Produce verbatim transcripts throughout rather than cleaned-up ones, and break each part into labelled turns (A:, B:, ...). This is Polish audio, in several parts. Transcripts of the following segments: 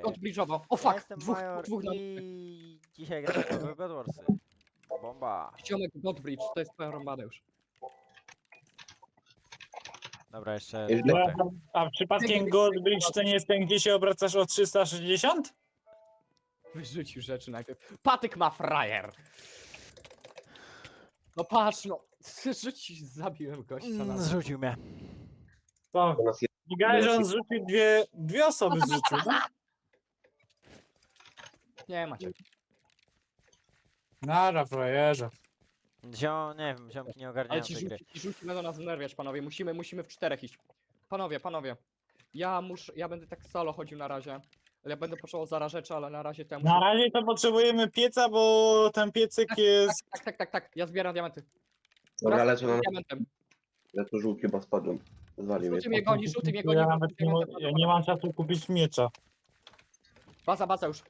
A: odbliżowo. O
B: Ja
A: fuck!
B: jestem
A: Dwóch,
B: Major
A: dwóch na...
B: i dzisiaj gram w Bedwarsy. Bomba.
A: Ziomek Godbridge, to jest twoja rąbana już.
B: Dobra, jeszcze
C: Źle.
B: piątek.
D: A przypadkiem Goldbridge to nie jest ten, gdzie się obracasz o trzysta sześćdziesiąt?
A: Wyrzucił rzeczy najpierw. Patyk ma frajer! No patrz no, rzucić, zabiłem gościa
B: Mm,
A: na...
B: Zrzucił mnie.
D: To
C: U nas jest
D: Gigaj, że on zrzucił dwie, dwie osoby zrzucił, no?
A: Nie macie.
D: Nara, frajerze.
B: Zio, nie wiem, ziomki nie
A: Ale
B: ogarniają
A: ci
B: tej gry.
A: rzuci, ci rzuci będą nas znerwiać, panowie. Musimy, musimy w czterech iść. Panowie, panowie. Ja muszę, ja będę tak solo chodził na razie. Ale ja będę potrzebował zara rzeczy, ale na razie temu.
D: Na razie to potrzebujemy pieca, bo ten piecyk jest...
A: Tak, tak, tak, tak. Ja zbieram diamenty.
C: Dobra,
A: Raz
C: lecę na
A: diamentem.
C: lecę żółki, chyba spadłem. Zwalił mnie.
A: Żółty mnie goni, żółty mnie goni.
D: Ja
A: bo
D: nawet nie,
A: diamentem
D: mo- ja nie mam czasu kupić miecza.
A: Baza, baza już.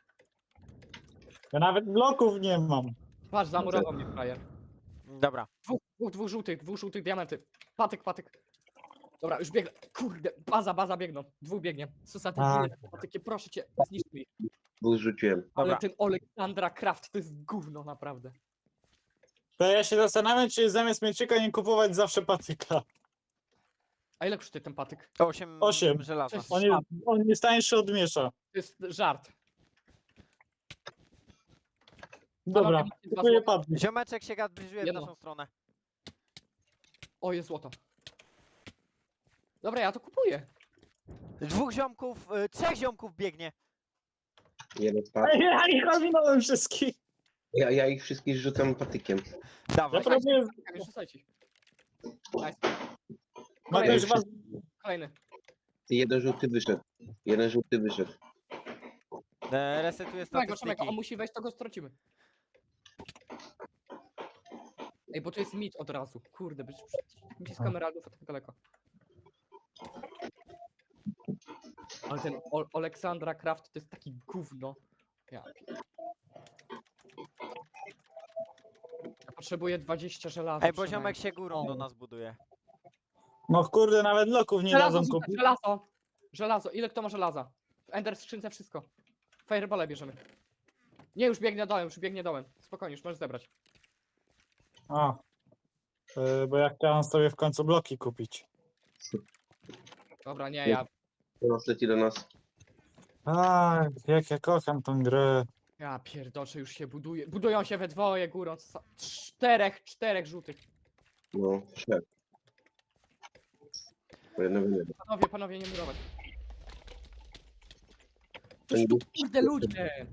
D: Ja nawet bloków nie mam.
A: Patrz, zamurował mnie frajer.
B: Dobra.
A: Dwóch, dwóch, dwóch żółtych, dwóch żółtych diamenty. Patyk, patyk. Dobra, już biegnę. Kurde, baza, baza biegną. Dwóch biegnie. Co za te
D: A.
A: dwie patyki, proszę cię, zniszcz mi.
C: Dwóch zrzuciłem.
A: Ale
B: Dobra.
A: ten Oleksandra Kraft to jest gówno, naprawdę.
D: To ja się zastanawiam, czy zamiast mieczyka nie kupować zawsze patyka.
A: A ile kosztuje ten patyk?
B: Osiem,
D: Osiem.
B: żelaza.
A: Cześć.
D: On jest, on jest tańszy od miesza.
A: To jest żart.
D: Dobra,
A: Panowie, macie dwa
D: kupuję
A: złote?
D: patyk.
B: Ziomeczek się zbliżyłem w
A: Jedno.
B: naszą stronę.
A: O, jest złoto. Dobra, ja to kupuję.
B: Dwóch ziomków, y, trzech ziomków biegnie.
C: Jeden spadł.
D: Ej, ja ich ominąłem wszystkich.
C: Ja, ja ich wszystkich rzucam patykiem.
B: Dawaj.
D: Ja próbuję...
A: Nie rzucajcie. Nice.
D: Mogę już was...
A: Kolejny.
C: Jeden żółty wyszedł. Jeden żółty wyszedł.
B: E, resetuję
A: Trzymaj go, trzymaj go,
B: statystyki.
A: on musi wejść, to go stracimy. Ej, bo to jest mit od razu. Kurde, być blisko emeraldów, a tak daleko. Ale ten o Oleksandra Kraft to jest taki gówno. Ja, pier- ja potrzebuję dwadzieścia żelaza.
B: Ej, bo
A: przynajmniej.
B: ziomek się górą do nas buduje.
D: No kurde, nawet bloków nie
A: Żelazo,
D: dadzą
A: rzucaj,
D: kupić.
A: żelazo! Żelazo, ile kto ma żelaza? W Ender skrzynce wszystko. Fireball bierzemy. Nie, już biegnie dołem, już biegnie dołem. Spokojnie, już możesz zebrać.
D: A. Yy, bo ja chciałem sobie w końcu bloki kupić.
A: Dobra, nie, ja...
C: To nas leci do nas.
D: A, jak ja kocham tą grę.
A: Ja pierdoczę, już się buduje. Budują się we dwoje górą. co za- Czterech, czterech żółtych.
C: No, trzech. Po jednego nie.
A: Panowie, panowie, nie murować.
C: To nie
A: Coś tu, kurde, ludzie!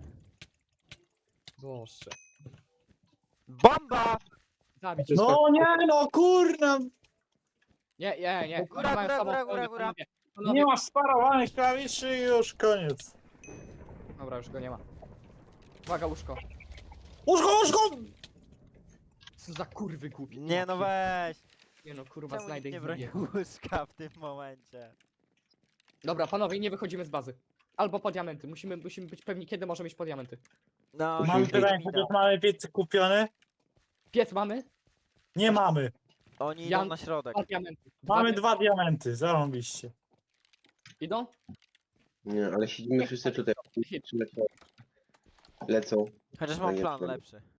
A: Boże.
B: Bomba!
A: Zabić.
D: No nie no, kurna!
A: Nie, nie, nie.
B: Góra,
A: Oni mają
B: góra,
A: sobą
B: góra,
A: pełnię,
B: góra, góra.
A: panowie. Panowie.
D: Nie ma sparowanych klawiszy i już koniec.
A: Dobra, już go nie ma. Uwaga, łóżko.
D: Łóżko, łóżko!
A: Co za kurwy głupie.
B: Nie no weź.
A: Nie no, kurwa,
B: Czemu
A: znajdę
B: nikt nie
A: ich
B: broni
A: zabiję.
B: łóżka w tym momencie?
A: Dobra, panowie, nie wychodzimy z bazy. Albo po diamenty. Musimy, musimy być pewni, kiedy możemy iść po diamenty.
B: No,
C: Musimy
D: Mamy
C: iść
D: pytanie,
B: minął.
D: chociaż mamy piecyk kupiony?
A: Piec mamy?
D: Nie mamy.
B: Oni
A: Ja-
B: idą na środek.
A: Dwa diamenty. Dwa
D: Mamy
A: dia-
D: dwa diamenty, zarąbiście.
A: Idą?
C: Nie, ale siedzimy wszyscy tutaj. Lecą. Lecą.
B: Chociaż
C: No
B: mam
C: nie,
B: plan
C: to-
B: lepszy.